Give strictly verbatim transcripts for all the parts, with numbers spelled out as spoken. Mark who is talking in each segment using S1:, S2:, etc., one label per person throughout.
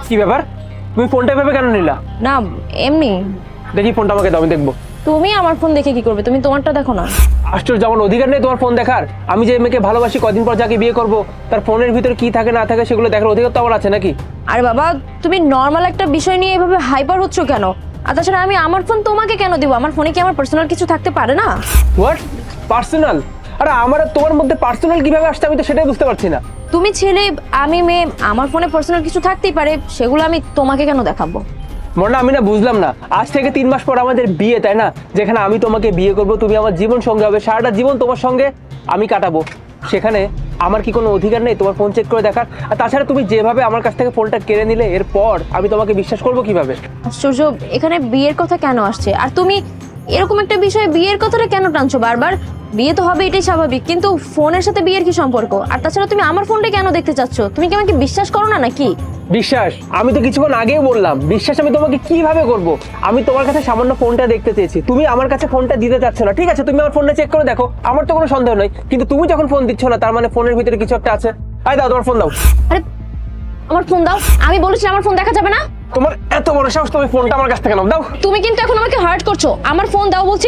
S1: কি ব্যাপার, তুমি ফোনটা এভাবে কেন নিলা?
S2: না এমনি।
S1: দেখি ফোনটা আমাকে দাও, আমি দেখবো।
S2: তুমি আমার ফোন দেখে কি করবে? তুমি তোমারটা দেখো না।
S1: আশ্চর্য, আমার অধিকার নেই তোমার ফোন দেখার? আমি যে মেয়েকে ভালোবাসি, কদিন পর যাকে বিয়ে করব, তার ফোনের ভিতরে কি থাকে না থাকে সেগুলো দেখার অধিকার তো আমার আছে নাকি?
S2: আরে বাবা, তুমি নর্মাল একটা বিষয় নিয়ে এভাবে হাইপার হচ্ছ কেন? আর তাছাড়া আমি আমার ফোন তোমাকে কেন দিব? আমার ফোনে কি আমার পার্সোনাল কিছু থাকতে পারে না?
S1: What personal? আরে আমার আর তোমার মধ্যে পার্সোনাল কিভাবে আসছে আমি তো সেটাই বুঝতে পারছি না।
S2: তুমি ছেলে, আমি মেয়ে, আমার ফোনে পার্সোনাল কিছু থাকতেই পারে, সেগুলো আমি তোমাকে কেন দেখাবো?
S1: মনে আমি না বুঝলাম না, আজ থেকে তিন মাস পর আমাদের বিয়ে, তাই না? যেখানে আমি তোমাকে বিয়ে করব, তুমি আমার জীবন সঙ্গী হবে, সারাটা জীবন তোমার সঙ্গে আমি কাটাবো, সেখানে আমার কি কোনো অধিকার নেই তোমার ফোন চেক করে দেখার? আর তাছাড়া তুমি যেভাবে আমার কাছ থেকে ফোনটা কেড়ে নিলে, এরপর আমি তোমাকে বিশ্বাস করবো কিভাবে?
S2: আশ্চর্য, এখানে বিয়ের কথা কেন আসছে? আর তুমি এরকম একটা বিষয়ে বিয়ের কথাটা কেন টানছো বারবার? বিয়ে তো হবে, এটাই স্বাভাবিক, কিন্তু ফোনের সাথে বিয়ের কি সম্পর্ক? আর তাছাড়া তুমি আমার ফোনটা কেন দেখতে চাচ্ছ? তুমি কি আমাকে বিশ্বাস করো না নাকি?
S1: বিশ্বাস? আমি তো কিছুক্ষণ আগেই বললাম বিশ্বাস আমি তোমাকে কিভাবে করব। আমি তোমার কাছে সামান্য ফোনটা দেখতে চেয়েছি, তুমি আমার কাছে ফোনটা দিতে চাচ্ছ না। ঠিক আছে, তুমি আমার ফোনটা চেক করে দেখো, আমার তো কোনো সন্দেহ নেই, কিন্তু তুমি যখন ফোন দিচ্ছ না, তার মানে ফোনের ভিতরে কিছু একটা আছে। আয় দাও, তোমার ফোন দাও।
S2: আরে আমার ফোন দাও, আমি বলেছি আমার ফোন দেখা যাবে না।
S1: তোমার এত বড় সাহস, তুমি ফোনটা আমার কাছ থেকে নাও। দাও।
S2: তুমি কিন্তু এখন আমাকে হার্ট করছো। আমার ফোন দাও বলছি।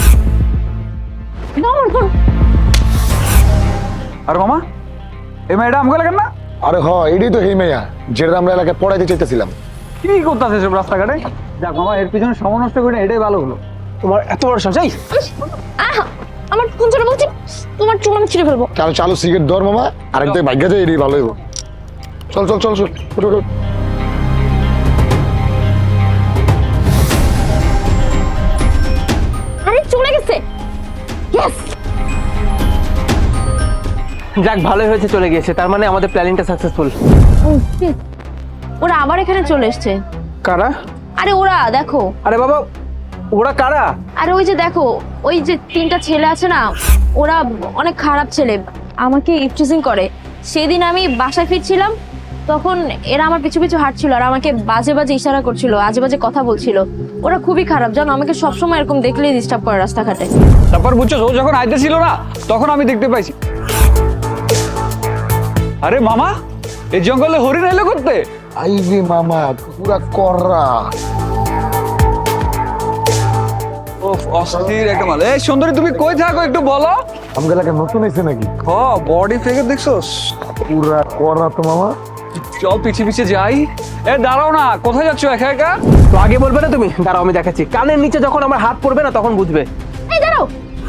S2: দাও আমার ফোন।
S3: আর মামা, এই মেয়েটা আমাকে লাগেন না?
S4: আরে হ, এটাই তো এই মেয়া যেটা আমরা এলাকায় পড়াইতে চাইতেছিলাম।
S3: কি করতেছে সব রাস্তাঘাটে? যাক মামা, এর পিছনে সময় নষ্ট করে এটাই ভালো হলো।
S1: তোমার এত বড় সাহস! এই
S2: আহ, আমার ফোন ছেড়ে বলছি, তোমার চুল আমি ছিঁড়ে ফেলবো।
S4: চালু চালু সিগারেট ধর মামা, আরেকটাই ভাগ্য যায়, এটাই ভালো হইব। চল চল চল চল, উঠ, উঠ, উঠ।
S2: আরে চলে গেছে। ইয়েস।
S1: যাক, ভালোই হয়েছে চলে গিয়েছে, তার মানে আমাদের প্ল্যানিংটা সাকসেসফুল।
S2: ওরা আবার এখানে চলে এসছে।
S1: কারা?
S2: আরে ওরা দেখো।
S1: আরে বাবা, ওরা কারা?
S2: আরে ওই যে দেখো, ওই যে তিনটা ছেলে আছে না, ওরা অনেক খারাপ ছেলে, আমাকে ইফটিজিং করে। সেদিন আমি বাসায় ফিরছিলাম, তখন এরা আমার পিছু পিছু হাঁটছিল আর আমাকে বাজে বাজে ইশারা করছিল, আজে বাজে কথা বলছিল। ওরা খুবই খারাপ জানো, আমাকে সবসময় এরকম দেখলেই ডিস্টার্ব করে রাস্তাঘাটে।
S3: তারপর বুঝছো, ও যখন আইতেছিল না, তখন আমি দেখতে পাইছি। আরে মামা, এই জঙ্গলে হরিণ এলো করতে?
S4: আইবে মামা, পুরা কররা।
S3: ওফ, অস্থির একটা মাল। এই সুন্দরী, তুমি কই থাকো একটু বলো।
S4: আমাদের এলাকায় নতুন হয়েছে নাকি?
S3: হ, বডি ফিগার দেখছোস?
S4: পুরা কররা তো মামা।
S3: চল পিছিয়ে পিছিয়ে যাই। এ দাঁড়াও না, কোথায় যাচ্ছ একা একা?
S1: তো আগে বলবে না তুমি? দাঁড়াও আমি দেখাচ্ছি। কানের নিচে যখন আমার হাত পড়বে না, তখন বুঝবে।
S2: এই দাঁড়াও,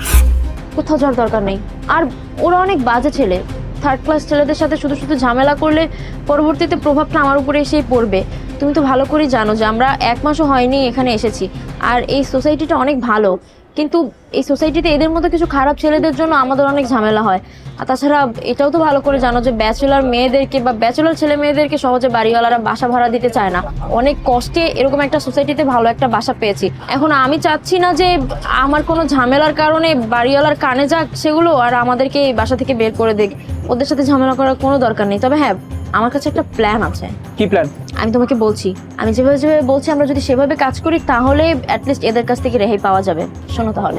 S2: কোথাও যাওয়ার দরকার নেই। আর ওরা অনেক বাজে ছেলে, থার্ড ক্লাস ছেলেদের সাথে শুধু শুধু ঝামেলা করলে পরবর্তীতে প্রভাবটা আমার উপরে এসেই পড়বে। তুমি তো ভালো করেই জানো যে আমরা এক মাসও হয়নি এখানে এসেছি, আর এই সোসাইটিটা অনেক ভালো, কিন্তু এই সোসাইটিতে এদের মতো কিছু খারাপ ছেলেদের জন্য আমাদের অনেক ঝামেলা হয়। আর তাছাড়া এটাও তো ভালো করে জানো যে ব্যাচেলার মেয়েদেরকে বা ব্যাচেলার ছেলে মেয়েদেরকে সহজে বাড়িওয়ালারা বাসা ভাড়া দিতে চায় না। অনেক কষ্টে এরকম একটা সোসাইটিতে ভালো একটা বাসা পেয়েছি। এখন আমি চাচ্ছি না যে আমার কোনো ঝামেলার কারণে বাড়িওয়ালার কানে যাক সেগুলো, আর আমাদেরকে এই বাসা থেকে বের করে দিক। ওদের সাথে ঝামেলা করার কোনো দরকার নেই। তবে হ্যাঁ, আমার কাছে একটা প্ল্যান আছে।
S1: কি প্ল্যান?
S2: আমি তোমাকে বলছি, আমি যেভাবে যেভাবে বলছি আমরা যদি সেভাবে কাজ করি, তাহলে অ্যাটলিস্ট এদের কাছ থেকে রেহাই পাওয়া যাবে। শোনো তাহলে,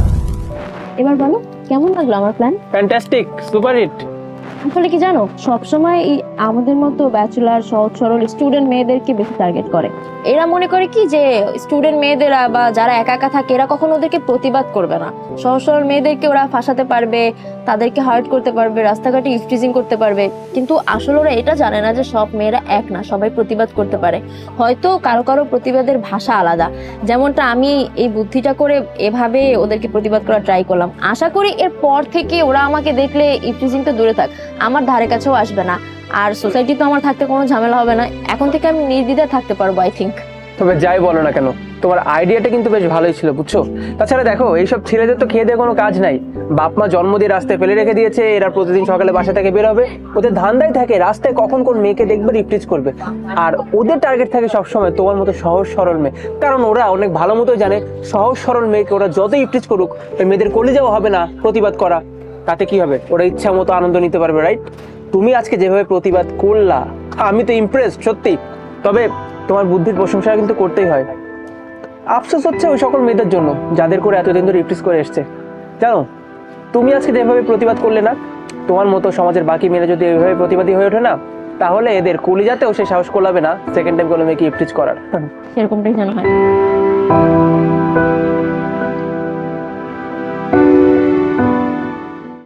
S2: এবার বলো কেমন লাগলো আমার প্ল্যান?
S1: Fantastic, super hit.
S2: আসলে কি জানো, সবসময় এই আমাদের মতো ব্যাচেলার সহজ সরল স্টুডেন্ট মেয়েদেরকে বেশি টার্গেট করে। এরা মনে করে কি যে স্টুডেন্ট মেয়েদেরা বা যারা একা একা থাকে এরা কখনো ওদেরকে প্রতিবাদ করবে না। সহজ সরল মেয়েদেরকে ওরা ফাঁসাতে পারবে, তাদেরকে হার্ট করতে পারবে, রাস্তাঘাটে ইফটিজিং করতে পারবে। কিন্তু আসলে ওরা এটা জানে না যে সব মেয়েরা এক না, সবাই প্রতিবাদ করতে পারে। হয়তো কারো কারো প্রতিবাদের ভাষা আলাদা, যেমনটা আমি এই বুদ্ধিটা করে এভাবে ওদেরকে প্রতিবাদ করা ট্রাই করলাম। আশা করি এর পর থেকে ওরা আমাকে দেখলে ইফটিজিং তো দূরে থাক, আমার ধারে কাছেও আসবে না। আর সোসাইটি তো আমার থাকতে কোনো ঝামেলা হবে না। এখন থেকে আমি নির্দ্বিধায় থাকতে পারবো আই থিঙ্ক।
S1: তবে যাই বলো না কেন, তোমার আইডিয়াটা কিন্তু বেশ ভালোই ছিল, বুঝছো? তাছাড়া দেখো, এইসব ছেলেদের তো খেয়ে দিয়ে কোনো কাজ নাই। বাপ মা জন্ম দিয়ে রাস্তায় ফেলে রেখে দিয়েছে, এরা প্রতিদিন সকালে বাসা থেকে বের হবে, ওদের ধান্দাই থাকে রাস্তায় কখন কোন মেয়েকে দেখবে, ইফটিজ করবে। আর ওদের টার্গেট থাকে সবসময় তোমার মতো সহজ সরল মেয়ে, কারণ ওরা অনেক ভালো মতো জানে সহজ সরল মেয়েকে ওরা যত ইফটিজ করুক, ওই মেয়েদের কলিজাও হবে না প্রতিবাদ করা। তাতে কি হবে? ওরা ইচ্ছা মতো আনন্দ নিতে পারবে, রাইট? তুমি আজকে যেভাবে প্রতিবাদ করলা, আমি তো ইমপ্রেসড সত্যি। তবে তোমার বুদ্ধির প্রশংসা কিন্তু করতেই হয়। আফসোস হচ্ছে ওই সকল মেয়েদের জন্য যাদের করে এতদিন ধরে ইফটিজ করে এসছে। জানো, তুমি আজকে যেভাবে প্রতিবাদ করলে না, তোমার মতো সমাজের বাকি মেয়েরা যদি এইভাবে প্রতিবাদী হয়ে ওঠে না, তাহলে এদের কলিজাতেও সে সাহস করলাবে না সেকেন্ড টাইম কোনো মেয়েকে ইফটিজ করার।
S2: সেরকমটাই যেন হয়।